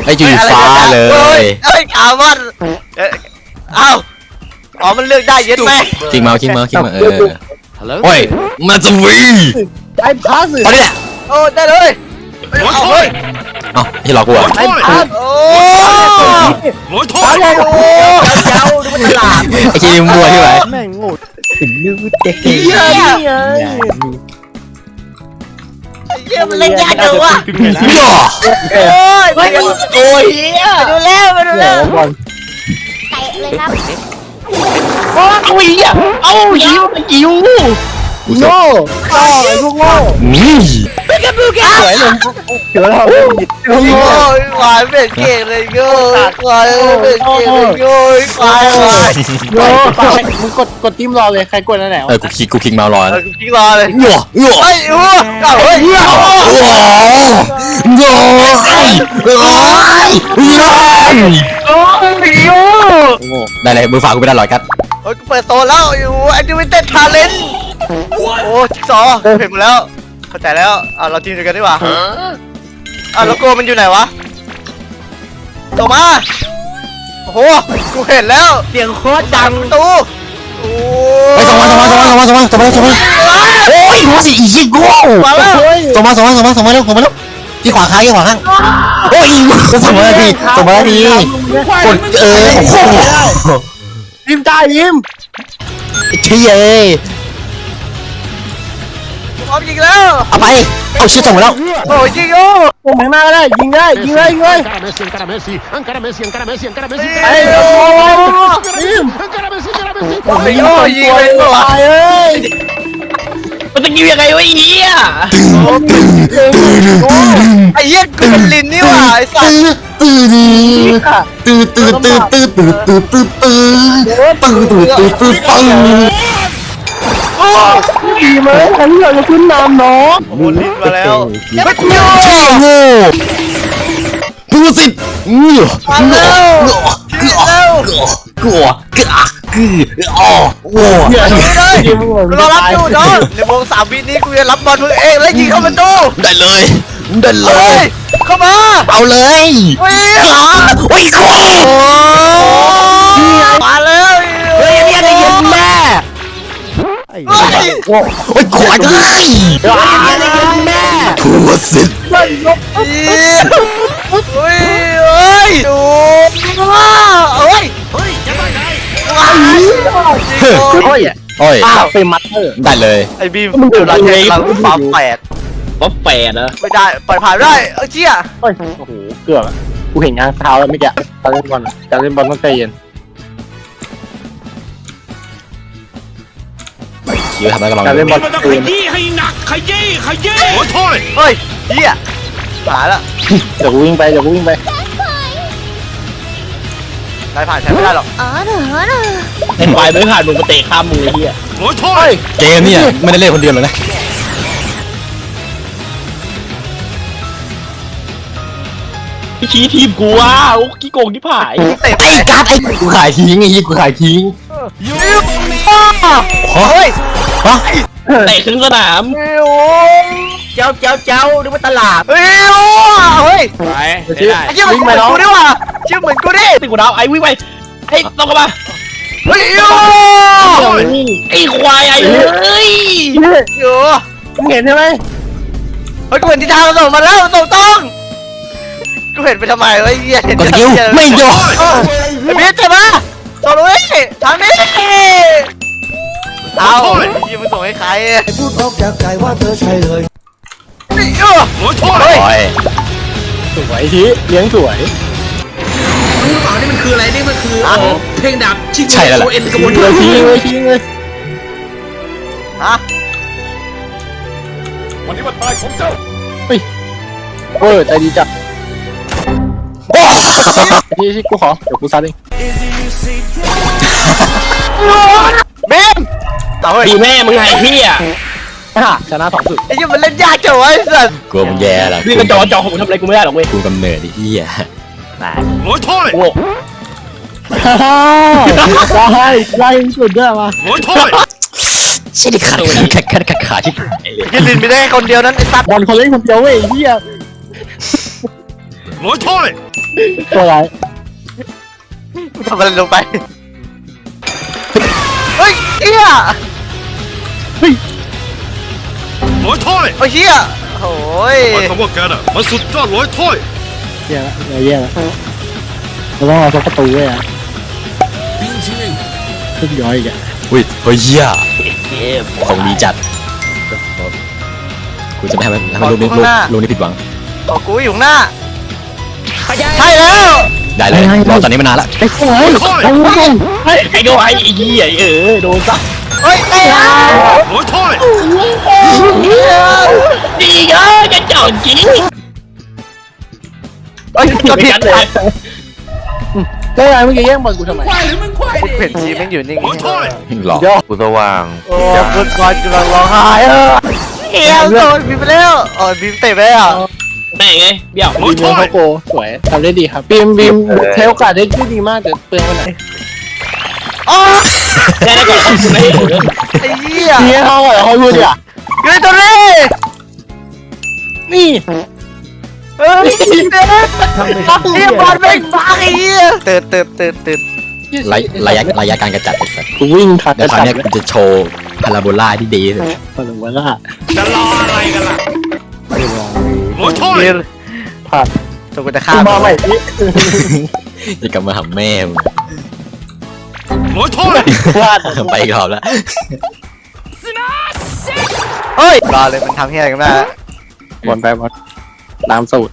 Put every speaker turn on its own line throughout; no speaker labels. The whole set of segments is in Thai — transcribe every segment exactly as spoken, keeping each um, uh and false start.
อ้จุดฟ้าเลย
เอ้ยขามันเอ้าอ๋อมันเลือกได้เย็นไหม
คิงเมาคิงเมาคิงเมาเออโอ้ยมาจะวี
ไอ้พัส
เอาดิ
โอ้ได้เลยเอาเลย
เอ้าที่รอกูอ่ะ
ไอ้พัส
โอ้
ร้อยโทษ
โอ้เจ้าดูมันฉลาด
ไอ้คิงมัวที่ไหน
แม่งโง่ถึงลืมเด็ก
เยี่ยเยี่ยมันเล่นยากจังวะ
ย่อ
โอ้ยไปดูโอ้ยดูแล้วไปดูแล้ว
เตะเลยครับ
โอ้ยเอาหิวหิวโง่ต่อไอ้พวกโง่
นี่
ไปกันดูกัน
สวยเลยเดี๋ยวเรา
โง่ควายเป็นเก่งเลยโง่ควายเป็นเก่งเลยโง่ควายควาย
โง่มึงกดกดจิ้มรอเลยใครกดนั่นแหละ
เออกูคิงกูคิงเมารอ
เออกูคิงรอเลย
ย่อย่อ
ไอ้โอ้เฮ้ยย่อ
ย่อย่ไอ้โอ้ยย่อ
โอ้ยโอ้
ได้เลยมือฝากกูไม่ได้หรอกครับ
โอ้ยกูเปิดโซนแล้วอยู่แอคทิวิตี้ทาเลนต์โอ้จิ๊กซอว์เห็นหมดแล้วเข้าใจแล้วอ่ะเราทีมเดียวกันดีกว่าอ่ะโลโก้มันอยู่ไหนวะต่อมาโอ้โหกูเห็นแล้วเสียงโคตรดังตู้โอ้
ยส่งมาส่งมาส่งมาส่งมาส่งมาส่งมาโอ้ยหัวสิอีกกูส่งมาส่งมาส่งมาส่งมาเร็วส่งมาเร็วที่ขวาข้างที่ขวาข้างโอ้ยส่งมาทีส่งมาทีกดเออ
ยิ้มได้ยิ้ม
เชี่ย
พร้อมยิงแล้ว
เอาไปเอาชื่อส่งมาแล้ว
โอ้ยยิงโอ้
โอ้แมงหน้าก็ได้ยิงได้ยิงเลยยิงเลย
encara Messi encara Messi encara Messi encara Messi encara Messi
ไอ้โอ้ยิม
encara Messi encara Messi
โอ้ยยิงเลยว่ะ
เอ้ย
มันจะยิงยังไงวะเหี้ยไอ้เหี้ยกูเป็นลินนี่ว่ะไอ้สัส
ตื้อตื้อตื้อตื้อตื้อตื้อตื้อตื้อตื้อตื้อตื้อตื้อตื้อตื้อ
โอ้
ดีไหมอันนี้เราจะขึ้นนำเนาะ
โอ้ลินมาแล้ว
ไม่โง่โง่ดูสิงูงูงูงูกูกะกืออ๋อโง่
รอรับอยู่จอนในวงสามวินี้กูจะรับบอลมึงเองแล้วยิงเข้าประตู
ได้เลยได้เลย
เข้ามา
เอาเลย
โอ้ย
โอ้ยกู
มาแล้ว
เฮ้ยเนี่ยได้ยินแม่
ไอ้
โอ้ยขวาได้เนี่ยได้ยินแม่ทัวสิ
เฮ้ยเฮ้ยเฮ้ยดูเฮ้ยเฮ้ยจะไปไหนว้าว
โอ้ย
โอ้ย
อ้าวเฟมัตเตอร์
ได้เลย
ไอ้บีมมันเดือดร้อนเลยเราฟ้าแฝด
ฟ้าแฝดเหรอ
ไม่ได้ปล่อยผ่านได้เออเจี๊ย
โอ้ยโอ้โหเกือบกูเห็นงานเท้าแล้วเมื่อกี้การเล่นบอลการเล่นบอลต้องใจเย็น
เยอะทำไมกำลัง
การเล่นบอล
ขยี้ให้หนักขยี้ขยี้โอ้ยโทษ
เฮ้ยเจี๊ยผ่านละ
เดี๋ยวกูวิ่งไปเดี๋ยวกูวิ่งไป
ได้ผ่านใช้ไม่ได้หรอก
อ๋อเหรอเหรอ
เห็นไปไม่ผ่านมึงมาเตะข้ามมือเฮีย
โอ้ยโทษ
เกมเนี่ยไม่ได้เล่นคนเดียวเลยนะ
พี่ชี้ทีมกูว้าโอ้กี้โกงที่ผาย
ไอ้การ์ดไอ้กูขายทิ้งไอ้ยี่กูขายทิ้ง
ยูเฮ้ย
ฮะ
เตะครึ่งสนาม
โอ้เจ้าเจ้าเจ้าดูว่าตลาดเฮ้ยเฮ้ย
ไป
ไอ้เจ้าเหมือนกูดิว่ะเจ้าเหมือนกูดิ
ติดกูดาวไอ้วิ่งไปไอ้ต้องกันมา
เฮ้ย
ไอ้ควายไอ้เฮ้ย
โย่
มึงเห็นใช่ไหม
เฮ้ยกูเห็นทิศทางส่งมาแล้วส่งต้องกูเห็นไปทำไมวะเหี้ยเห็น
กิ้วไม่โยน
ไอ้เบี้ยเจ็บปะส่งเลยทางนี้เอายี่มันส่งให้ใคร
พูดออกจากใจว่าเธอใช่เลย
นี่เออ
โอ้ยโทษ
สวยทีเลี้ยงสวย
รู้เปล่านี่มันคืออะไรนี่มันคือเพลงดับชิโกโอเอ็นกระบวน
การทิ้งเลยทิ้งเลย
ฮะ
วันนี้วันตายของเจ้า
เฮ้ยเออใจดีจังที่ที่กูขอเดี๋ยวกูซัดเอง
เบม
ดีแม่มึงไงพี่อ่ะชนะสองสุด
ไอ้ยี่มันเล่นยากจังวะไอ้สัส
กูมันแย่ละ
พี่กระจอกจอของกูทำอะไรกูไม่ได้หรอกเว้ย
กูกำเนิดไอ้เหี้ย
โอ้ยโทษ
โง่ได้ได้สุดด้วยมา
โอ้ยโทษ
ใช่ดิขาดขาดขาดขาดขาดที่
ยินลินไม่ได้คนเดียวนั้นไอ้สัส
บอลคนเล่นคนเดียวเว้ยเหี้ย
ร้อยถ้อย
ตัวอะไร
ทำอะไรลงไปเฮ้ยเฮีย
ร้อยถ้อย
โอ้ยเฮียโอ้ย
หมายความว่าแกน่ะมันสุดยอดร้อยถ้อย
แย่ละแย่ละเราต้องเอาสักประตูไว้อะขึ้นย้อยอีกอะ
อุ้ยเฮ้ยเหี้ยของดีจัดกูจะไม่ให้มันให้มันลูกนี้ลูกลูกนี้ผิดหวัง
ขอกูอยู่ข้างหน้าใช่แล้ว
ได้เลยรอตอนนี้มานานละ
ไอ้โอ้ยไอ้โอ้ยไอ้โดนไอ้เหี้ยเออโดนซะ
เฮ้ยไอ้ยา
ร้อยถ้อย
ดีเออจะจอดจริง
เฮ้ยกดผิด
เลยได้ไงเมื่อกี้แย่งบอลกูทำไม
ควายหรือมึงควาย
กูเห็นทีมมันอยู่นิ่ง
ร้อยถ้อย
หลอก
ย่อ
กูสว่าง
โอ้คุณกอนกำลังร้องไห้เออเฮียโดนบีมไปแล้วอ๋อบีมเตะไปอ่ะ
ไหนไงเบี้ยวบีมเลี้ยงเขาโกสวยทำได้ดีครับบีมบีมใช้โอกาสได้ดีมากแต่เปลืองไปหน่อย
อ๋อ
ได้ได้ก่อนคุณไม่
ไอ้เหี้ย
เนี่ยเขาเหรอเขาพูดดิอ่ะ
เกรตัวนี้
นี่
เฮ้ยเรียบอลไม่บ้าไอ้เหี้ยตื่นตื่นตื่นตื่น
ระยะระยะระยะการกระจัดไอ้สัส
กูวิ่งทัน
เดี๋ยวคราวเนี้ยกูจะโชว์พาราโบลาที่ดีที่สุด
คนหนึ่งวันละ
จะรออะไรกันล่ะ
ไม่รอ
ร้อยถ้อย
เรียน
ผ่าน
ตัวกูจะฆ่า
มาใหม่ที่
จะกลับมาหาแม่มึง
ร้อยถ้อย
พลาด
ไปอีกรอบแล้ว
เฮ้ยรอเลยมันทำเหี้ยอะไรกันมา
บอลไปบอลน้ำสูตร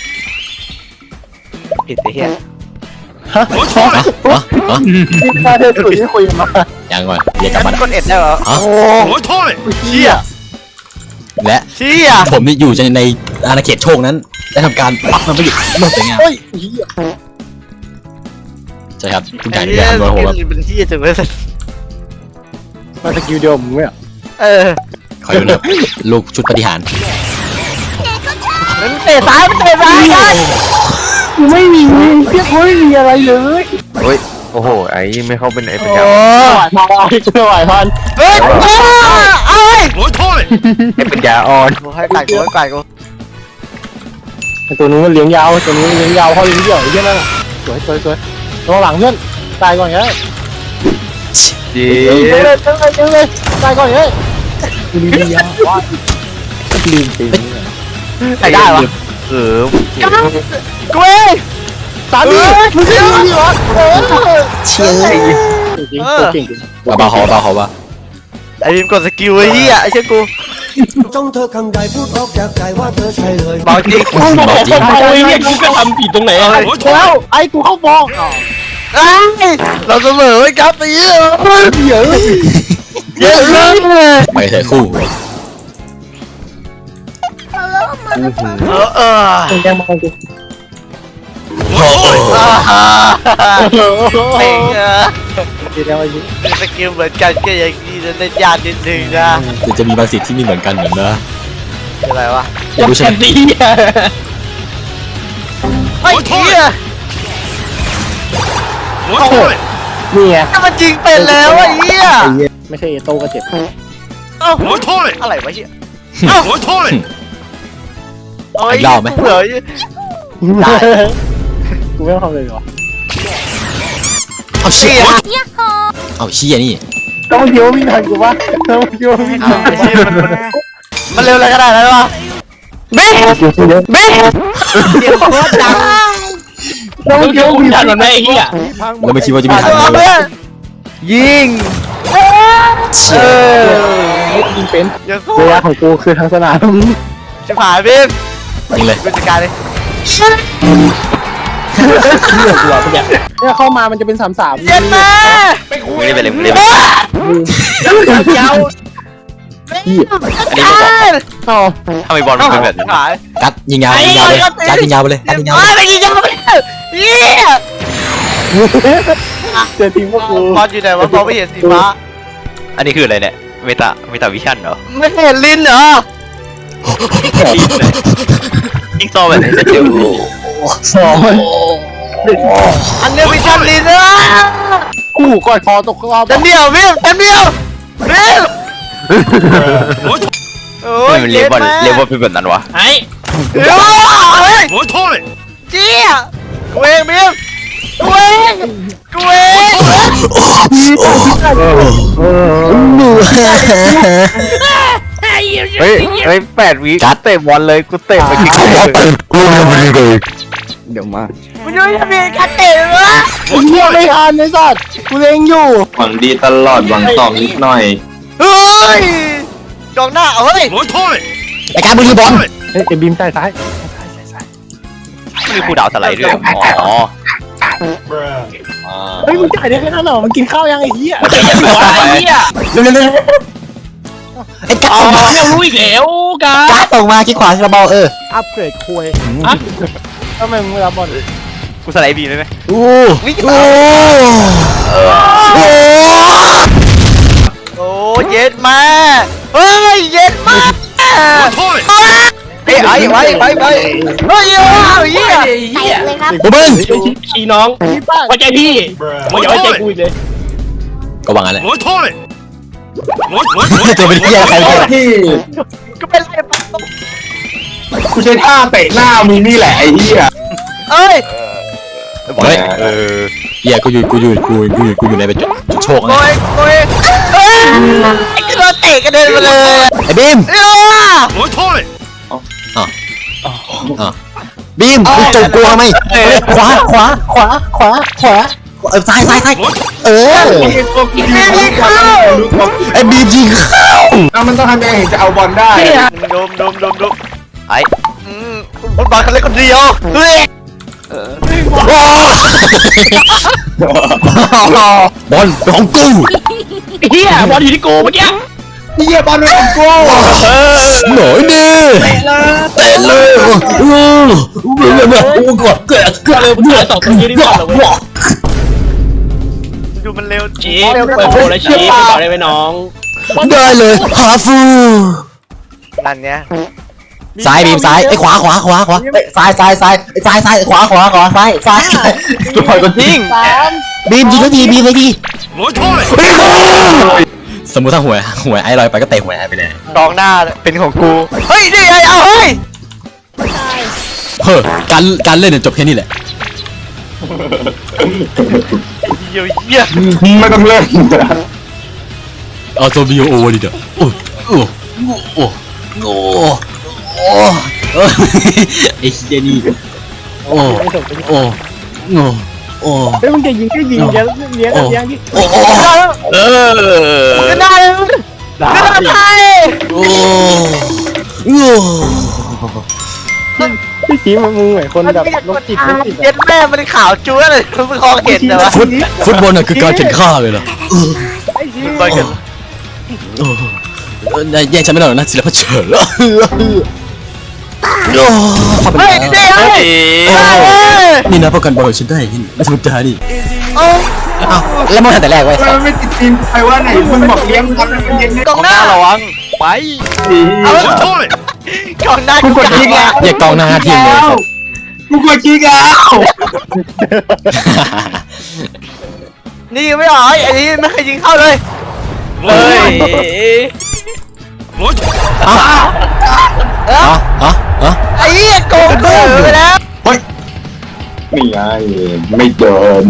ผิดไอ้เหี้ย
ฮะ
ร้อยถ้อย
ฮะฮะฮะ
ที่พลาดเธอสูตรที่คุยมา
ยังก่อนเรียกกลับ
มั
มาน
กดเอ็ดได้เหรอ
ฮะ
ร้อยถ้อย
เชี่ย
และ
เชี่ย
ผมนี่อยู่ในอาณาเขตโชคนั้นได้ทำการปักมันไปอยู่หมดเลยไง
เฮ้ย
ใช่ครับทุกอ
ไอ้
ย่างที่
เหี้ย
ทำโดยผมแบบ
เป็นเหี้ยจังเลย
มาสกิลเดียวมึงไม่เหรอ
เออ
คอยดูนะลูกชุดปฏิหาร
มันเตะซ้ายมันเตะซ้ายกัน
กูไม่มีเพี้ยกูไม่มีอะไรเลย
เฮ้ยโอ้โหไอ้ไม่เข้าเป็นไอ้ปัญ
โอ้
ญา
ไหวพอไม่ไหวพัน
เฮ้ยเอ้ย
ร้อยถ้อย
ไอ้ปัญญาอ่อน
กูให้ไก่กูให้ไก่กู
ไอตัวนู้นมันเลี้ยงยาวตัวนู้นเลี้ยงยาวเขาเลี้ยงเดี่ยวไอ้เหี้ยนั่นสวยสวยสวยระวังหลังเพื่อนตายก่อนไง
จี
เจ๊เลยเจ๊เลยเจ๊เลยตายก่อนไงลืมยาวว่าลืมจริง
ไก่ได้วะ
เออ
กูเอง
ตาดีมึงเชื่อดีวะเออ
เชี่ย
จริงเก่งจริง
เบาๆเขาเบาๆเขาว่า
ไอ้บีมกดสกิลไอ้เหี้ยไอ้เชี่ยกู
จ้องเธอคำใดพูดออกจากใจว่าเธอใช่เลย
เบาจริง
มึงบอกผมเอาไอ้เนี่ยกูก็ทำผิดตรงไหนอะแล้วไอ้กูเข้าฟอง
เอ้ยเราเสมอไว้ครับไอ้เหี้ย
เยอะ
เยอะเลย
ไปเถอะคู่
เออเออ
ยังมองกู
ร้อยถ้อย
อ่าฮะ
โอ้โห
เองเออ
เดี๋ยวไอ้นี่
สกิลเหมือนกันก็อย่างนี้จะเล่นยากนิดนึงนะ
เดี๋ยวจะมีบางสิ่งที่ไม่เหมือนกันเหมือนนะ
อะไรวะ
อยากรู้ใช่ไหม
ดีอะ
ไอ้เหี้ย
ร้อยถ้อย
นี่ไง
ถ้ามันจริงเป็นแล้วไอ้เหี้ย
ไม่ใช่เอโต้ก็เจ็บ
เอ้า
ร้อยถ้อย
อะไรวะเหี้ย
ร้อยถ้อย
เอาไอ้
อีกรอบไหม
เหลือ
ได้กูไม่ต้องทำเลยหรอ
เอาเชี่
เชี่
ย
ย
เอาเชี่ยนี่
ต้องเดียววิ่งทันกูปะต้องเดียววิ่งทัน
ไอ้เชี่ยมันมันเร็วอะไรขนาดนั้นวะเบ๊ะ
เยอะ
เบ๊ะเดี๋ยวโคตรดัง
ต้องเดียววิ่งทันมันได้ไอ้เหี้ย
เราไม่คิดว่าจะมีทาง
เอา
นี้เล
เพื่
ย
อนยิง
เชี่
เอย อ
ยิงเป็น
อย่าสู้
ระยะของกูคือทางสนาม
ชิบหายบิ๊ม
จริงเลย
กูจัดการเลย
เลือกกูอ่ะเนี่ยเนี่ยเข้ามามันจะเป็นสามสาม
เย็นแม่
ไม่ได้ไปเลยไม่ได้ไป
ยาว
พี่
จัดการ
อ๋อ
ทำไมบอลมันเป็นแบบนี้
หาย
กัดยิงยาวยิงยาวเลยกัดยิงยาวไปเลยกัดยิงยาว
ไอ้
เลย
ไปยิงยาวไปเยี่ย
เจอทีมพวกกู
บอลอยู่ไหนวะบอลไม่เห็นสีฟ้า
อันนี้คืออะไรเนี่ยเมตาเมตาวิชั่นเหรอ
ไม่เห็นลิ้นเหรอ
ยิงซอแบบไหนจะเจอ
สอง
อันเนี้ยวิชันลิ้นนะ
กูกอดคอตกรอบ
เต็มเดียวบิ๊มเต็มเดียวบิ๊ม
ร้อยถ้อย
โอ้
ทำไม
ย
มันเรียกบอลเรียกบอลเป็นแบบนั้นวะ
ไอ้
เฮ้ย
ร้อยถ้อย
เจี๊ยกูเองบีมกูเองกูเอง
หนู
เฮ้ยเฮ้ยแปดวิกัดเตะบอลเลยกูเตะไปกี่
เขาบอกตื่นกูเลยมันเลย
เดี๋ยวมา
มึงยังจะมีการเตะวะ
ไอ้เหี้ยไม่ทันไอ้สัตว์กูเล็งอยู่
หวังดีตลอดหวังตอบนิดหน่อย
เฮ้ยกองหน้าเฮ้ย
ร้อยถ้วย
ไอ้การบุรีบอล
เฮ้ยไอ้บีมใต้ซ้าย
มีครูดาวสไลด์ด้วยอ๋อ
เฮ้ยมึงจ่ายได้แค่นั้นเหรอมันกินข้าวยังไอ้เหี้ย
ไอ้เหี้ย
เร็วเร็วเร็วไอ้การส่งมา
เรารู้อีกแล้วกัน
การส่งมาคิดขวาคิดบอลเออ
อัปเกรดคุยทำไมมึงรับบอล
กูสไลด์บีได้ไหม
โอ้โอ้โอ้
โอ้เย็ดมาเฮ้ยเย็ดมา
ร้อยถ้วย
เฮ้ยไอ้ไว้ไว้ไว้เฮ้ยว้าวเหี้ย
เตะเลยครับ
โอ้เบิ้ง
ชี้น้องไว้ใจพี่มึงอย่าไว้ใจกูอีกเลย
ก็วางอะไร
ร้อยถ้วยร้อยร้อยร้อย
จะเป็นเหี้ยใครเนี่ย
ที่
ก็เป็นไรปะ
กูใช้ท่าเตะหน้ามึงนี่แหละไอ้เหี้ย
เอ้ย
เฮ้ยเออเหี้ยกูอยู่กูอยู่กูอยู่กูอยู่กูอยู่ในเป็นโชค
โก
นะ
ยโกยเฮ้ยไอ้กระโดดเตะกระเด็นมาเลย
ไอ้บีม
เอ้ย
ร้อยถ้วย
บีมมึงจบกูทำไมขวาขวาขวาขวาขวาเออซ้ายซ้ายซ้ายเออ
ไม่มีเข้า
ไอ้บีมยิงเข้า
เอามันต้องทำยังไงถึงจะเอาบอลได้
ดมดมดมดมไอ้อืมฟุตบอลคนเล็กคนเดียวเฮ้ย
โอ้บอลเป็นของกู
เหี้ยบอลอยู่ที่กูเมื่อกี้
เหี้ยบอลเป็นของกู
หน่อยดิเตะเลยโอ้โหโอ้โหกดเกิดเกิด
เลยมึงถ่ายสองคนยืนดีกว่าเลย
ดูมันเร็ว
ชี้เปิดโผล่แล้วชี้ต่อได้ไหมน้อง
ได้เลยฮาฟู
นั่นเนี้ย
ซ้ายบีมซ้ายไอ้ขวาขวาขวาขวาซ้ายซ้ายซ้ายซ้ายซ้ายขวาขวาขวาซ้ายซ้าย
จะปล่อยคนทิ้ง
บีมยิงทันทีบีมเลยดี
ร้อยถ้วย
สมมติถ้าหวยหวยไอ้ลอยไปก็เตะหวยไอ้ไปเลย
กองหน้าเป็นของกูเฮ้ยนี่ไงเอาเฮ้ย
เฮ้อการการเล่นเนี่ยจบแค่นี้แหละ
เยี่ยเยี่ย
ไม่ต้องเล่น
เอาตัวบีโอดิเด้อโอ้โอ้โอ้โอ้โอ้ไอ้เจนี่โอ้โอ้โอ้โอ้
เฮ้ยมึงจะยิงก็ยิงจะเลี้ยงเลี้ยงดิ
โอ้โอ้เออ
ก็ได้ก็ได้
โอ้โอ้
พี่ชี้มึงเหมือนคนแบบโรคจิตโรคจิต
เย็ดแม่มันขาวจั๊วเลยมึงคอเห็นแต่ว่า
ฟุตฟุตบอลน่ะคือการแข่งข้าเลยเหรอ
บอลกัน
โอ้แย่งฉันไม่ได้หรอกนะศิลปะเฉิดโอ้เข้าไป
เฮ้ย
แล้ว
นี่เฮ้ย
นี่นะป้องกันบอลฉันได้นี่ไม่ธรรมดานี่
โอ้
อ้าวแล้วมันแต่แรกไว้
มันไม่ติดทีมใครว่าไหนมึงบอกเลี้ยงบอลมันเย็น
กองหน้าระวังไป
ร้อยถ้วย
กองหน้า
กูกดทิ้งแล้ว
อย่ากองหน้าทีมเลย
กูกดทิ้งแล้ว
นี่ไม่หรอไอ้นี่ไม่เคยยิงเข้าเลย
ร้อยถ้วยร้อยถ้วย
อ๋ออ๋ออ๋อ
ไอ้เหี้ยโกงกูไปแล้ว
นี่ไงไม่เดิน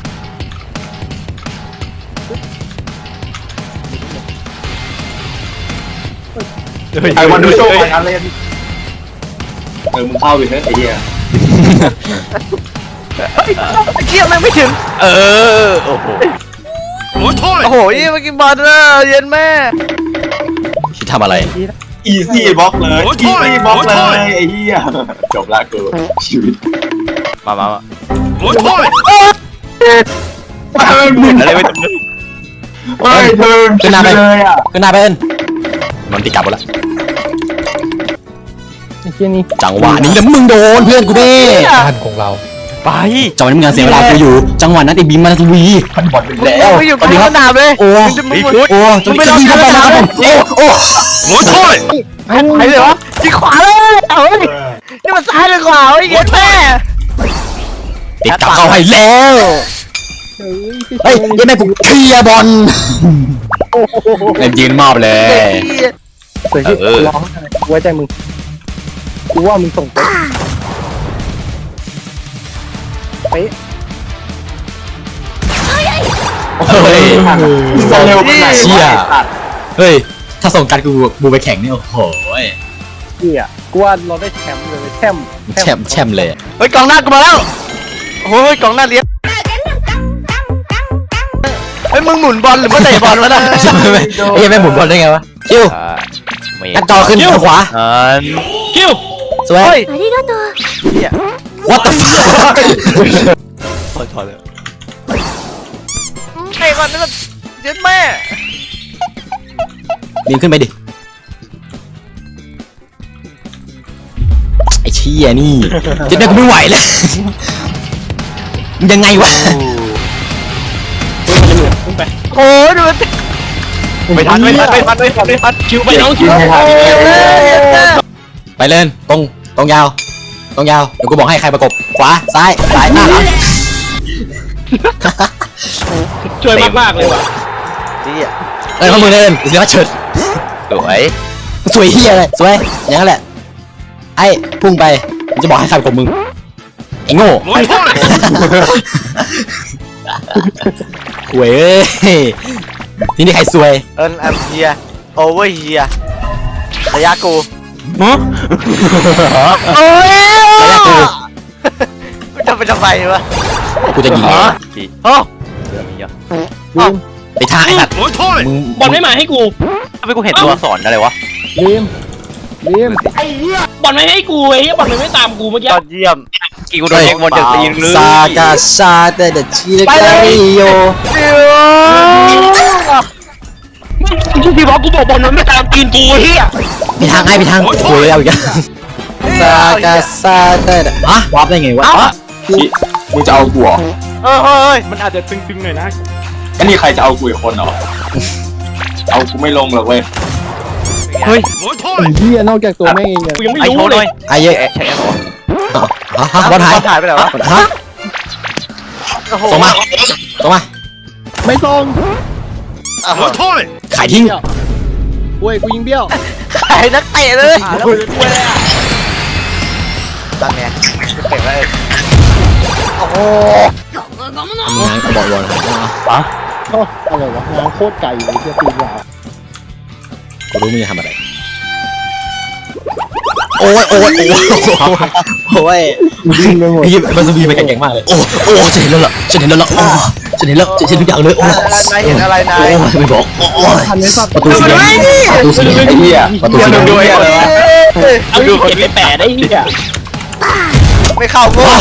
ไอ้วันดูโชว์การเล่นเออมึงเข้าไปเถอะไอ้เหี้ย
เชี่ยมันไม่ถึง
เออโอ้โห
ร้อยถ้วย
โอ้โหยี่มากินบอลเลยเย็นแม่
คิดทำอะไร
อีซี่บล็อกเลยอีซี่บล็อกเลยไอ้เหี้ยจบละกูชีวิต
มามามา
ร้อยถ้วย
อะไรไม่ถึง
เฮ้ยเธอขึ้นมาเลยอ่ะ
ขึ้นหน้าไปเอิ้นมันตีกลับหมดละ
ไอ้เชี่ยนี่
จังหวะนี้แล้วมึงโดนเพื่อนกูเด้
การของเรา
ไป
จังหวะนี้มึงงานเสียเวลากูอยู่ จังหวะนั้นไอ้บีมมันวีมันบอลไปแล้ว
ไม่อยู่กลางสนามเลย
โอ้โอ้จนจะยิงเข้าไปแล้วครับผมโอ้โอ้
ร้อยถ้วย
ไปเลยวะยิงขวาเลยเฮ้ยนี่มันซ้ายหรือขวาเย็นแม่
ติดกลับเข้าให้แล้วเฮ้ยยังไม่กูเคลียร์บอลเล่นยืนมอบเลย
เสือที่ร้องอะไรกูไว้ใจมึงกูว่ามึงส่งไปป๊ะ
เฮ้ย
จะเร็วไปไหน
เชี่ยเฮ้ยถ้าส่งการกูบูไปแข่งนี่โอ้โห
เหี้ยกูว่าเราได้แชมป์เลยแชมป์
แชมป์แชมป์เลย
เฮ้ยกองหน้ากูมาแล้วโอ้ยกองหน้าเลี้ยงเฮ้ยมึงหมุนบอลหรือว่าเตะบอลวะนะ
ไอ้ยังไม่หมุนบอลได้ไงวะคิว
ไม่
กันจอขึ้นทางขวา
อัน
คิว
สวย
ありがとう
what the fuck
ถอดเลยเตะก่อนนะเย็นแม่
บินขึ้นไปดิไอ้เชี่ยนี่เจ็บแม่กูไม่ไหวแล้วยังไงวะ
ขึ้นไป
โอ้ยดูมัน
ไม่ทันไม่ทันไม่ทันไม่ทันไม่ทัน
คิวไปน้องคิว
ไปเล่นตรงตรงยาวตรงยาวเดี๋ยวกูบอกให้ใครประกบขวาซ้ายซ้ายหน้าหลัง
ช่วยมากๆเลยว่ะ
เอ้ยข้อมือเล่นเสือเฉิด
สวย
สวยเฮียเลยสวยอย่างนั้นแหละไอ้พุ่งไปผมจะบอกให้ใครประกบมึงไอ้โง่หวยเอ้ยที่นี่ใครสวย
เอิร์นแอมเฮียโอเวอร์เฮียระยะกูโอ้ยกูจะไปทำไมวะ
กูจะยิง
พี่
โอ้
เสือมีเยอะ
ลืม
ไปทางไอ้สัตว์มึง
บอลไม่มาให้กู
ทำไมกูเห็นตัวสอนอะไรวะ
ลืมลืม
บอลไม่ให้กูไอ้เหี้ยบอลไม่ตามกูเมื่อกี้
ยอดเยี่ยม
กี่กูโดนเช็คบอลจากตีนเลย
ซากาซาเตเดชิเดการิโย
มึงพี่บอกกูบอกบอลมันไม่ตามตีนกูเฮีย
ไปทางไอ้ไปทางหวยเอาอีกแล้วซากาซาเตเดฮะวาร์ปได้ไงวะ
มึงจะเอากูเหรอ
เออเฮ้ย
มันอาจจะตึงๆหน่อยนะ
อันนี้ใครจะเอากูอีกคนเหรอเอากูไม่ลงหรอกเว้ย
เฮ้ย
ไอ้เหี้ยนอกจากตัวแม่งเองเนี่ย
กูยังไม่
ไอโช
รู้
ว์ห
เล
น่อย
ย
ไอ้เยอะ
ใช่ไหมวะ
ฮะฮะบอลหาย
ถ่ายไปไหนวะ
ฮะ
โอ้โห
ส่งมาส่งมา
ไม่ตรง
อ้าว
ขายทิ้ง
โว้ยกูยิงเบี้ยว
ขายนักเตะเลยตั้งไงเตะไปโอ้โห
ทำงานกับบอลบอลหาย
โอ้อะไรวะงานโคตรไก่เลยเหี้ยตีนยาว
กูรู้มึงจะทำอะไรโอ้ยโอ้ยโอ้ยโอ้ย
ยิงไปหมด
พี่มันจะมีไปแข่งมากเลยโอ้โอ้ฉันเห็นแล้วล่ะฉันเห็นแล้วล่ะโอ้ฉันเห็นแล้วฉันเห็นทุกอย่างเลยโอ้
นายเห็นอะไรนาย
โอ้ไม่บอกโอ้
ทันไหมสัตว์
ประตูสีแดงประตูสีแดง
ไอ้เหี้ย
ประตูสีแดง
ด้วยอะไรวะ
เอาดูเก็บไปแปะได้เฮีย
ไม่เข้ากู